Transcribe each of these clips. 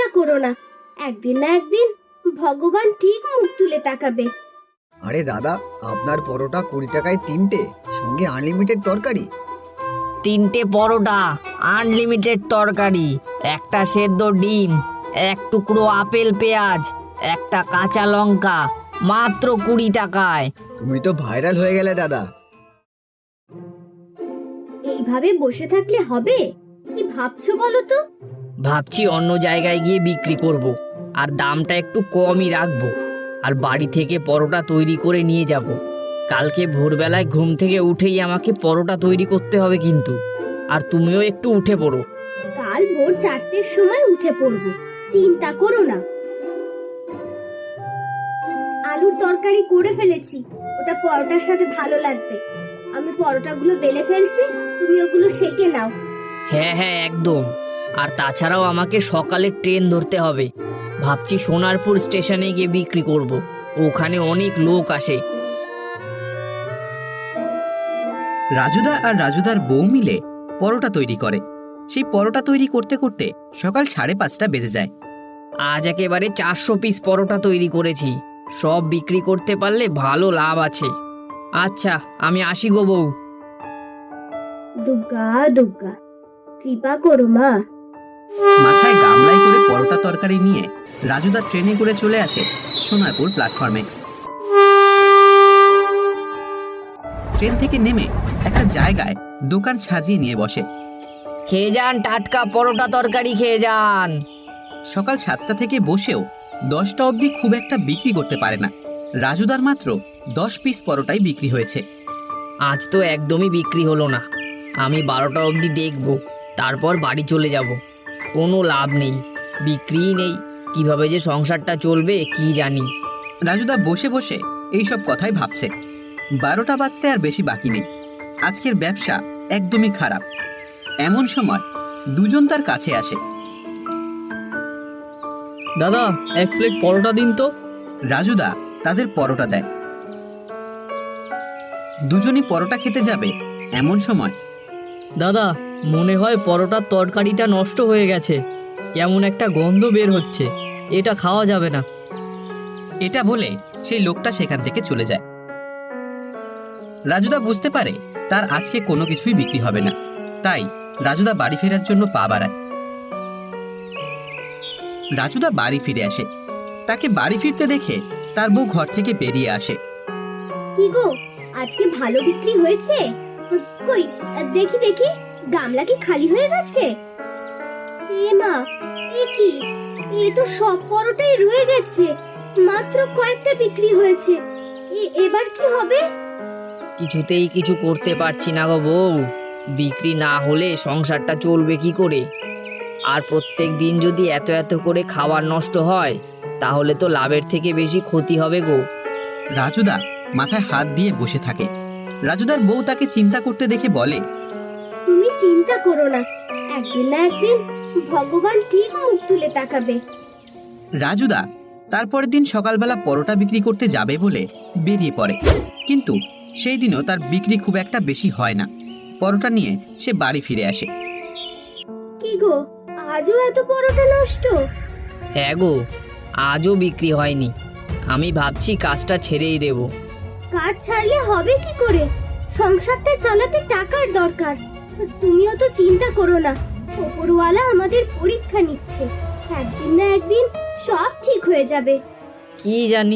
চিন্তা করো না, একদিন না একদিন ভগবান ঠিক মুখ তুলে তাকাবে। আরে দাদা, আপনার পরোটা 20 টাকায় 3টে, সঙ্গে আনলিমিটেড তরকারি। 3টে পরোটা, আনলিমিটেড তরকারি, একটা সেদ্ধ ডিম, এক টুকরো আপেল পেঁয়াজ, একটা কাঁচা লঙ্কা, মাত্র 20 টাকায়। তুমি তো ভাইরাল হয়ে গেলে দাদা। এইভাবে বসে থাকলে হবে? কি ভাবছো বলো তো? ভাবছি অন্য জায়গায় গিয়ে বিক্রি করব, আর দামটা একটু কমই রাখবো, আর বাড়ি থেকে পরোটা তৈরি করে নিয়ে যাব। কালকে ভোরবেলায় ঘুম থেকে উঠেই আমাকে পরোটা তৈরি করতে হবে কিন্তু, আর তুমিও একটু উঠে পড়ো। কাল ভোর 4টের সময় উঠে পড়বো, চিন্তা করো না। আলুর তরকারি করে ফেলেছি, ওটা পরোটার সাথে ভালো লাগবে। আমি পরোটাগুলো বেলে ফেলছি, তুমি ওগুলো সেকে নাও। হ্যাঁ হ্যাঁ, একদম। আর তাছাড়াও আমাকে সকালে ট্রেন ধরতে হবে। ভাবছি সোনারপুর স্টেশনে গিয়ে বিক্রি করব, ওখানে অনেক লোক আসে। রাজুদা আর রাজুদার বউ মিলে পরোটা তৈরি করে। সেই পরোটা তৈরি করতে করতে সকাল 5:30 বেজে যায়। আজ একেবারে 400 পিস পরোটা তৈরি করেছি। সব বিক্রি করতে পারলে ভালো লাভ আছে। আচ্ছা, আমি আসি গো বউ। দুর্গা দুর্গা, কৃপা করো মা। মাথায় গামলায় করে পরোটা তরকারি নিয়ে রাজুদা ট্রেনে করে চলে আসে সোনারপুর প্ল্যাটফর্মে। ট্রেন থেকে নেমে একটা জায়গায় দোকান সাজিয়ে নিয়ে বসে। খেয়ে যান, টাটকা পরোটা তরকারি খেয়ে যান। সকাল 7টা থেকে বসেও 10টা অবধি খুব একটা বিক্রি করতে পারে না। রাজুদার মাত্র 10 পিস পরোটাই বিক্রি হয়েছে। আজ তো একদমই বিক্রি হলো না। আমি 12টা অবধি দেখব, তারপর বাড়ি চলে যাব। কোনো লাভ নেই, বিক্রিই নেই, কিভাবে যে সংসারটা চলবে কি জানি। রাজুদা বসে বসে এইসব কথাই ভাবছে। 12টা বাজতে আর বেশি বাকি নেই। আজকের ব্যবসা একদমই খারাপ। এমন সময় দুজন তার কাছে আসে। দাদা, 1 প্লেট পরোটা দিন তো। রাজুদা তাদের পরোটা দেয়। দুজনই পরোটা খেতে যাবে এমন সময় দাদা, মনে হয় পরোটার তরকারিটা নষ্ট হয়ে গেছে, কেমন একটা গন্ধ বের হচ্ছে, এটা খাওয়া যাবে না। এটা বলে সেই লোকটা সেখান থেকে চলে যায়। রাজুদা বুঝতে পারে তার আজকে কোনো কিছুই বিক্রি হবে না, তাই রাজুদা বাড়ি ফেরার জন্য পা বাড়ায়। রাজুদা বাড়ি ফিরে আসে। তাকে বাড়ি ফিরতে দেখে তার বউ ঘর থেকে বেরিয়ে আসে। কি গো, আজকে ভালো বিক্রি হয়েছে? কই দেখি দেখি, গামলা কি খালি হয়ে গেছে? এ মা, এ কি, এ তো সব পরোটাই রয়ে গেছে, মাত্র কয়েকটা বিক্রি হয়েছে। এবার কি হবে? কিছুতেই কিছু করতে পারছি না গো বউ। বিক্রি না হলে সংসারটা চলবে কি করে? আর প্রত্যেক দিন যদি এত এত করে খাবার নষ্ট হয়, তাহলে তো লাভের থেকে বেশি ক্ষতি হবে গো। রাজুদা মাথায় হাত দিয়ে বসে থাকে। রাজুদার বউ তাকে চিন্তা করতে দেখে বলে, তুমি চিন্তা করো না, একদিন না একদিন ভগবান ঠিক মুখ তুলে তাকাবে। রাজুদা তারপরের দিন সকালবেলা পরোটা বিক্রি করতে যাবে বলে বেরিয়ে পড়ে। কিন্তু সেই দিনও তার বিক্রি খুব একটা বেশি হয় না। পরোটা নিয়ে সে বাড়ি ফিরে আসে। কি গো, আজও এত পরোটা নষ্ট? হ্যাঁ গো, আজও বিক্রি হয়নি। আমি ভাবছি কাজটা ছেড়েই দেব। কাজ ছাড়লে হবে কি করে? সংসারটা চালাতে টাকার দরকার। তুমিও তো চিন্তা করো না, ওপরওয়ালা আমাদের পরীক্ষা নিচ্ছে, একদিন না একদিন সব ঠিক হয়ে যাবে। কি জানি।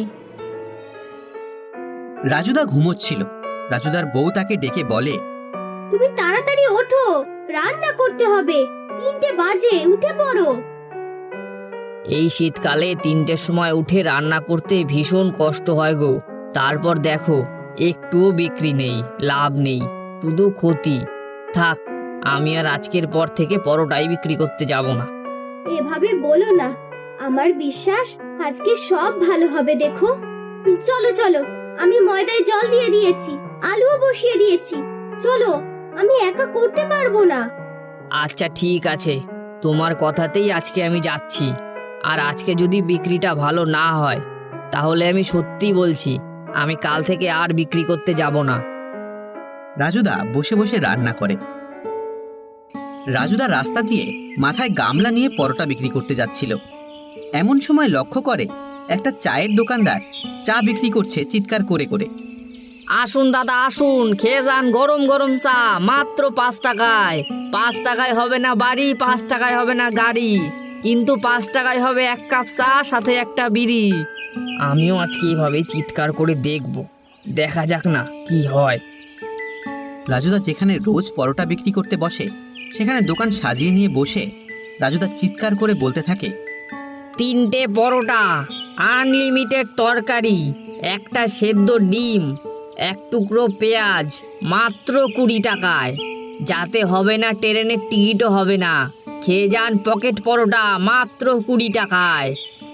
রাজুদা ঘুমোচ্ছিল। রাজুদার বউ তাকে ডেকে বলে, তুমি তাড়াতাড়ি ওঠো, রান্না করতে হবে, 3টে বাজে, উঠে পড়ো। এই শীতকালে 3টের সময় উঠে রান্না করতে ভীষণ কষ্ট হয় গো। তারপর দেখো, একটুও বিক্রি নেই, লাভ নেই, শুধু ক্ষতি। থাক, আমি আর আজকের পর থেকে পরোটাই বিক্রি করতে যাব না। এভাবে বলো না, আমার বিশ্বাস আজকে সব ভালো হবে। দেখো, চলো চলো, আমি ময়দায় জল দিয়ে দিয়েছি, আলুও বসিয়ে দিয়েছি। চলো, আমি একা করতে পারবো না। আচ্ছা ঠিক আছে, তোমার কথাতেই আজকে আমি যাচ্ছি। আর আজকে যদি বিক্রিটা ভালো না হয়, তাহলে আমি সত্যি বলছি, আমি কাল থেকে আর বিক্রি করতে যাব না। রাজুদা বসে বসে রান্না করে। রাজুদা রাস্তা দিয়ে মাথায় গামলা নিয়ে পরোটা বিক্রি করতে যাচ্ছিল। এমন সময় লক্ষ্য করে একটা চায়ের দোকানদার চা বিক্রি করছে চিৎকার করে করে। আসুন দাদা আসুন, খেয়ে যান গরম গরম চা, মাত্র 5 টাকায়। 5 টাকায় হবে না বাড়ি, 5 টাকায় হবে না গাড়ি, কিন্তু 5 টাকায় হবে 1 কাপ চা সাথে একটা বিড়ি। আমিও আজকে এভাবে চিৎকার করে দেখব, দেখা যাক না কি হয়। রাজুদা যেখানে রোজ পরোটা বিক্রি করতে বসে সেখানে দোকান সাজিয়ে নিয়ে বসে রাজুদা চিৎকার করে বলতে থাকে, 3টে পরোটা, আনলিমিটেড তরকারি, একটা সেদ্ধ ডিম, 1 টুকরো পেঁয়াজ, মাত্র 20 টাকায়। যাতে হবে না ট্রেনের টিকিটও হবে না, খেয়ে যান পকেট পরোটা মাত্র 20 টাকায়।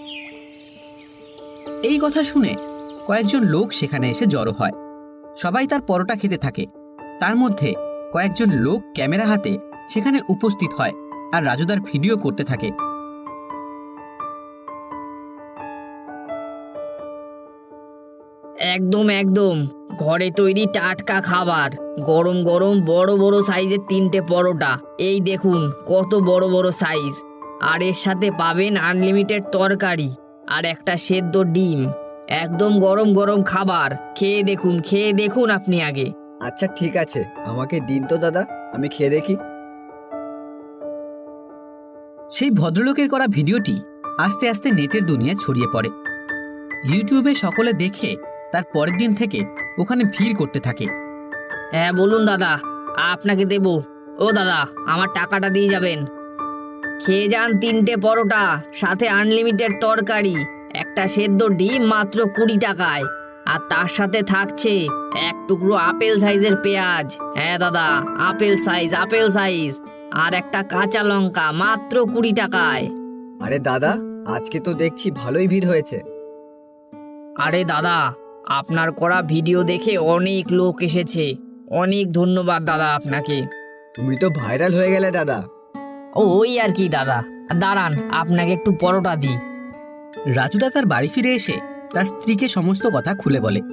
এই কথা শুনে কয়েকজন লোক সেখানে এসে জড়ো হয়। সবাই তার পরোটা খেতে থাকে। তার মধ্যে কয়েকজন লোক ক্যামেরা হাতে সেখানে উপস্থিত হয় আর রাজুদার ভিডিও করতে থাকে। একদম একদম ঘরে তৈরি টাটকা খাবার, গরম গরম বড় বড় সাইজের 3টে পরোটা, এই দেখুন কত বড় বড় সাইজ। আর এর সাথে পাবেন আনলিমিটেড তরকারি আর একটা সেদ্ধ ডিম। একদম গরম গরম খাবার, খেয়ে দেখুন আপনি আগে। আচ্ছা ঠিক আছে, আমাকে দিন তো দাদা, আমি খেয়ে দেখি। সেই ভদ্রলোকের করা ভিডিওটি আস্তে আস্তে নেটের দুনিয়ায় ছড়িয়ে পড়ে। ইউটিউবে সকলে দেখে তার পরের দিন থেকে ওখানে ভিড় করতে থাকে। হ্যাঁ বলুন দাদা, আপনাকে দেব। ও দাদা, আমার টাকাটা দিয়ে যাবেন। খেয়ে যান 3টে পরোটা সাথে আনলিমিটেড তরকারি, একটা সেদ্ধ ডিম মাত্র 20 টাকায়। আর তার সাথে থাকছে 1 টুকরো আপেল সাইজের পেঁয়াজ, হ্যাঁ দাদা আপেল সাইজ, আর একটা কাঁচা লঙ্কা মাত্র 20 টাকায়। আরে দাদা, আজকে তো দেখছি ভালোই ভিড় হয়েছে। আরে দাদা, আপনার করা ভিডিও দেখে অনেক লোক এসেছে, অনেক ধন্যবাদ দাদা আপনাকে। তুমি তো ভাইরাল হয়ে গেলে দাদা। ওই আর কি দাদা, দাঁড়ান আপনাকে একটু পরোটা দিই। রাজুদা তার বাড়ি ফিরে এসে তার স্ত্রীকে সমস্ত কথা খুলে বলে।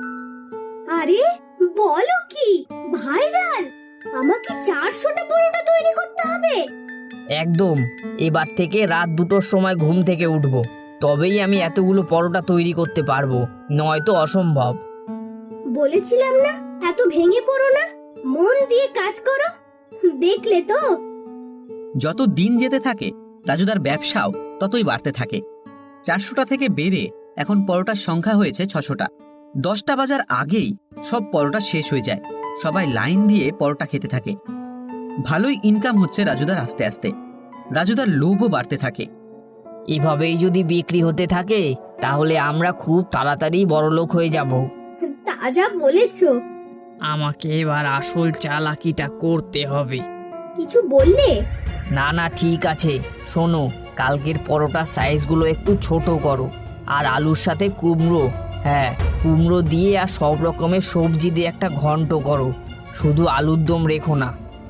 আরে বলো কি, ভাইরাল? আমাকে 400টা পরোটা তৈরি করতে হবে। একদম, এবার থেকে রাত 2টোর সময় ঘুম থেকে উঠবো, তবেই আমি এতগুলো পরোটা তৈরি করতে পারবো, নয়তো অসম্ভব। বলেছিলাম না এত ভেঙে পড়ো না, মন দিয়ে কাজ করো। দেখলে তো। যত দিন যেতে থাকে রাজুদার ব্যবসাও ততই বাড়তে থাকে। 400টা থেকে বেড়ে এখন পরোটার সংখ্যা হয়েছে 600টা। 10টা বাজার আগেই সব পরোটা শেষ হয়ে যায়। সবাই লাইন দিয়ে পরোটা খেতে থাকে। ভালোই ইনকাম হচ্ছে রাজুদার আস্তে আস্তে। রাজুদার লোভও বাড়তে থাকে। এভাবেই যদি বিক্রি হতে থাকে তাহলে আমরা খুব তাড়াতাড়ি বড়লোক হয়ে যাব। তা যা বলেছো। আমাকে এবার আসল চালাকিটা করতে হবে। কিছু বললে? না না ঠিক আছে, শোনো, কালকের পরোটার সাইজগুলো একটু ছোট করো, আর আলুর সাথে কুমড়ো, হ্যাঁ কুমড়ো দিয়ে আর সব রকমের সবজি দিয়ে একটা ঘন্ট করো, শুধু আলুর দম রেখো না।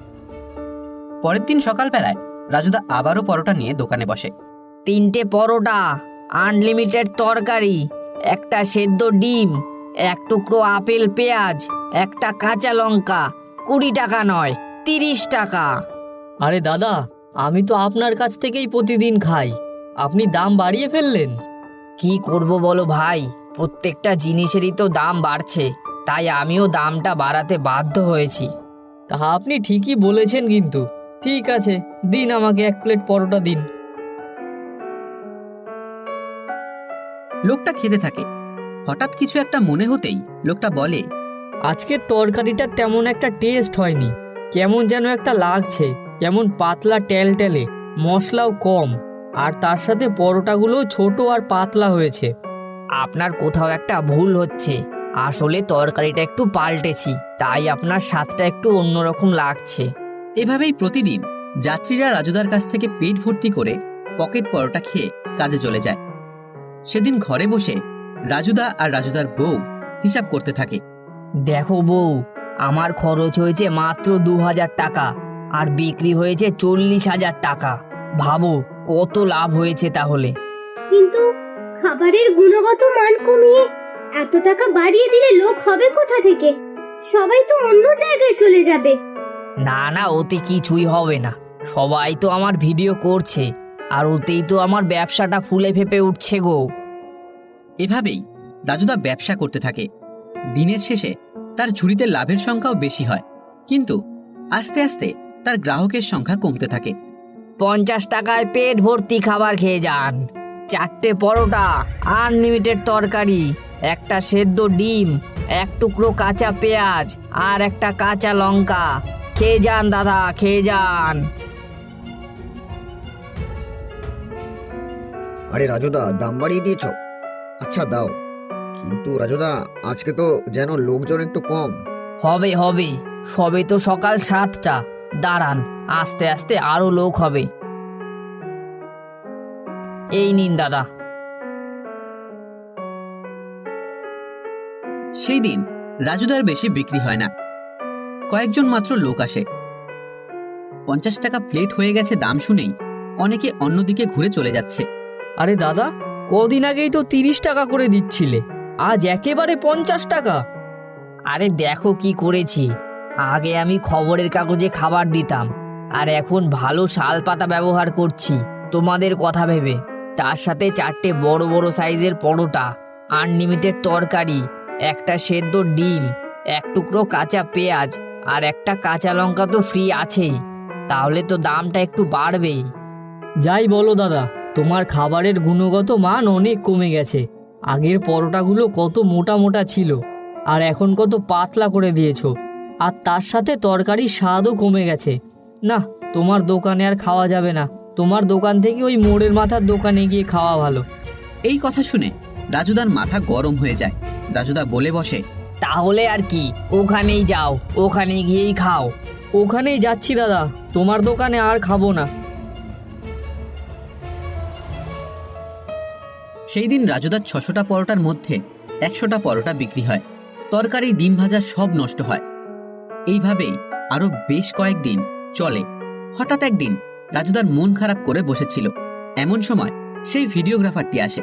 পরের দিন সকালবেলায় রাজুদা আবারও পরোটা নিয়ে দোকানে বসে। 3টে পরোটা, আনলিমিটেড তরকারি, একটা সেদ্ধ ডিম, 1 টুকরো আপেল পেঁয়াজ, একটা কাঁচা লঙ্কা, 20 টাকা নয় 30 টাকা। আরে দাদা, আমি তো আপনার কাছ থেকেই প্রতিদিন খাই, আপনি দাম বাড়িয়ে ফেললেন। কি করব বলো ভাই, প্রত্যেকটা জিনিসেরই তো দাম বাড়ছে, তাই আমিও দামটা বাড়াতে বাধ্য হয়েছি। তা আপনি ঠিকই বলেছেন, কিন্তু ঠিক আছে, দিন আমাকে 1 প্লেট পরোটা দিন। লোকটা খেতে থাকে। হঠাৎ কিছু একটা মনে হতেই লোকটা বলে, আজকের তরকারিটা তেমন একটা টেস্ট হয়নি, কেমন যেন একটা লাগছে, কেমন পাতলা টেলটেলে, মশলাও কম, আর তার সাথে পরোটাগুলো ছোট আর পাতলা হয়েছে। আপনার কোথাও একটা ভুল হচ্ছে, আসলে তরকারিটা একটু পাল্টেছি, তাই আপনার স্বাদটা একটু অন্যরকম লাগছে। এভাবেই প্রতিদিন যাত্রীরা রাজুদার কাছ থেকে পেট ভর্তি করে পকেট পরোটা খেয়ে কাজে চলে যায়। সেদিন ঘরে বসে রাজুদা আর রাজুদার বউ হিসাব করতে থাকে। দেখো বউ, আমার খরচ হয়েছে মাত্র 2000 টাকা আর বিক্রি হয়েছে 40,000 টাকা। ভাবো কত লাভ হয়েছে তাহলে। কিন্তু খাবারের গুণগত মান কমিয়ে এত টাকা বাড়িয়ে দিলে লোক হবে কোথা থেকে? সবাই তো অন্য জায়গায় চলে যাবে। না না, ওতে কিছুই হবে না, সবাই তো আমার ভিডিও করছে, আর ওতেই তো আমার ব্যবসাটা ফুলে ফেপে উঠছে গো। এভাবেই রাজুদা ব্যবসা করতে থাকে। দিনের শেষে তার ঝুড়িতে লাভের সংখ্যাও বেশি হয়, কিন্তু আস্তে আস্তে তার গ্রাহকের সংখ্যা কমতে থাকে। 50 টাকায় পেট ভর্তি খাবার খেয়ে যান। 4টে পরোটা, আনলিমিটেড তরকারি, একটা সেদ্ধ ডিম, 1 টুকরো কাঁচা পেঁয়াজ আর একটা কাঁচা লঙ্কা। খেয়ে যান দাদা, খেয়ে যান। আরে রাজুদা, দাম বাড়িয়ে দিয়েছ? আচ্ছা দাও, কিন্তু রাজুদা আজকে তো যেন লোকজন একটু কম। হবে হবে, সবে তো সকাল 7টা। দাঁড়ান, আস্তে আস্তে আরো লোক হবে। এই নিন দাদা। সেই দিন রাজুদার বেশি বিক্রি হয় না, কয়েকজন মাত্র লোক আসে। 50 টাকা প্লেট হয়ে গেছে দাম শুনেই অনেকে অন্যদিকে ঘুরে চলে যাচ্ছে। আরে দাদা, কদিন আগেই তো 30 টাকা করে দিচ্ছিলে, আজ একেবারে 50 টাকা। আরে দেখো কি করেছি, আগে আমি খবরের কাগজে খাবার দিতাম, আর এখন ভালো শাল পাতা ব্যবহার করছি তোমাদের কথা ভেবে। তার সাথে 4টে বড় বড় সাইজের পরোটা, আনলিমিটেড তরকারি, একটা সেদ্ধ ডিম, 1 টুকরো কাঁচা পেঁয়াজ আর একটা কাঁচা লঙ্কা তো ফ্রি আছেই। তাহলে তো দামটা একটু বাড়বেই। যাই বলো দাদা, তোমার খাবারের গুণগত মান অনেক কমে গেছে। আগের পরোটাগুলো কত মোটা মোটা ছিল, আর এখন কত পাতলা করে দিয়েছো। আর তার সাথে তরকারির স্বাদও কমে গেছে। না, তোমার দোকানে আর খাওয়া যাবে না। তোমার দোকান থেকে ওই মোড়ের মাথার দোকানে গিয়ে খাওয়া ভালো। এই কথা শুনে রাজুদার মাথা গরম হয়ে যায়। রাজুদা বলে বসে, তাহলে আর কি, ওখানেই যাও, ওখানে গিয়েই খাও। ওখানেই যাচ্ছি দাদা, তোমার দোকানে আর খাবো না। সেই দিন রাজুদার 600টা পরোটার মধ্যে 100টা পরোটা বিক্রি হয়। তরকারি, ডিম ভাজা সব নষ্ট হয়। এইভাবেই আরো বেশ কয়েকদিন চলে। হঠাৎ একদিন রাজুদার মন খারাপ করে বসেছিল, এমন সময় সেই ভিডিওগ্রাফারটি আসে।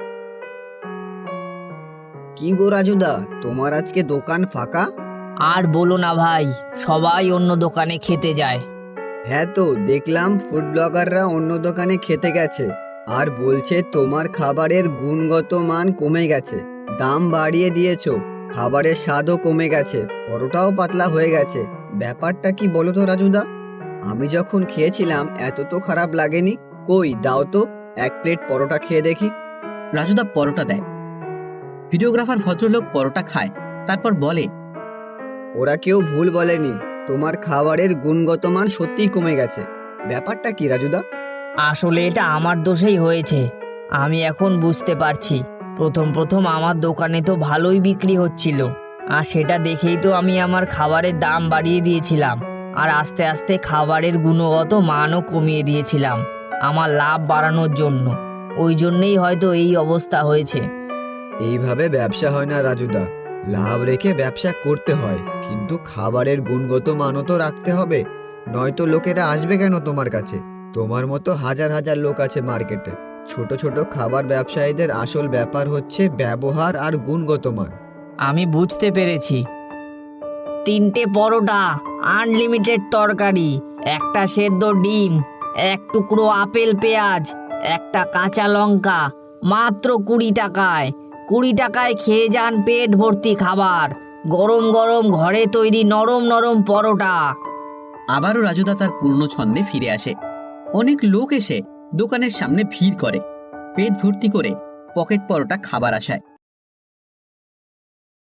কি গো রাজুদা, তোমার আজকে দোকান ফাঁকা? আর বলো না ভাই, সবাই অন্য দোকানে খেতে যায়। হ্যাঁ তো দেখলাম ফুড ব্লগাররা অন্য দোকানে খেতে গেছে, আর বলছে তোমার খাবারের গুণগত মান কমে গেছে, দাম বাড়িয়ে দিয়েছো, খাবারের স্বাদও কমে গেছে, পরোটাও পাতলা হয়ে গেছে। ব্যাপারটা কি বলো তো রাজুদা? আমি যখন খেয়েছিলাম এত তো খারাপ লাগেনি। কই দাও তো 1 প্লেট পরোটা খেয়ে দেখি। রাজুদা পরোটা দেয়। ভিডিওগ্রাফার ভদ্রলোক পরোটা খায়, তারপর বলে, ওরা কেউ ভুল বলেনি, তোমার খাবারের গুণগত মান সত্যিই কমে গেছে। ব্যাপারটা কি রাজুদা? আসলে এটা আমার দোষেই হয়েছে। আমি এখন বুঝতে পারছি, প্রথম প্রথম আমার দোকানে তো ভালোই বিক্রি হচ্ছিল, আর সেটা দেখেই তো আমি আমার খাবারের দাম বাড়িয়ে দিয়েছিলাম, আর আস্তে আস্তে খাবারের গুণগত মানও কমিয়ে দিয়েছিলাম আমার লাভ বাড়ানোর জন্য। ওই জন্যেই হয়তো এই অবস্থা হয়েছে। এইভাবে ব্যবসা হয় না রাজুদা, লাভ রেখে ব্যবসা করতে হয়, কিন্তু খাবারের গুণগত মানও তো রাখতে হবে, নয়তো লোকেরা আসবে কেন তোমার কাছে? তোমার মতো হাজার হাজার লোক আছে মার্কেটে। ছোট ছোট খাবার ব্যবসায়ীদের আসল ব্যাপার হচ্ছে ব্যবহার আর গুণগত মান। আমি বুঝতে পেরেছি। 3টে পরোটা, আনলিমিটেড তরকারি, একটা সেদ্ধ ডিম, 1 টুকরো আপেল পেঁয়াজ, একটা কাঁচা লঙ্কা, মাত্র 20 টাকায়। 20 টাকায় খেয়ে যান পেট ভর্তি খাবার, গরম গরম ঘরে তৈরি নরম নরম পরোটা। আবারও রাজুদা তার পুরনো ছন্দে ফিরে আসে। অনেক লোক এসে দোকানের সামনে ভিড় করে, পেট ভর্তি করে পকেট পরোটা খাবার আসায়।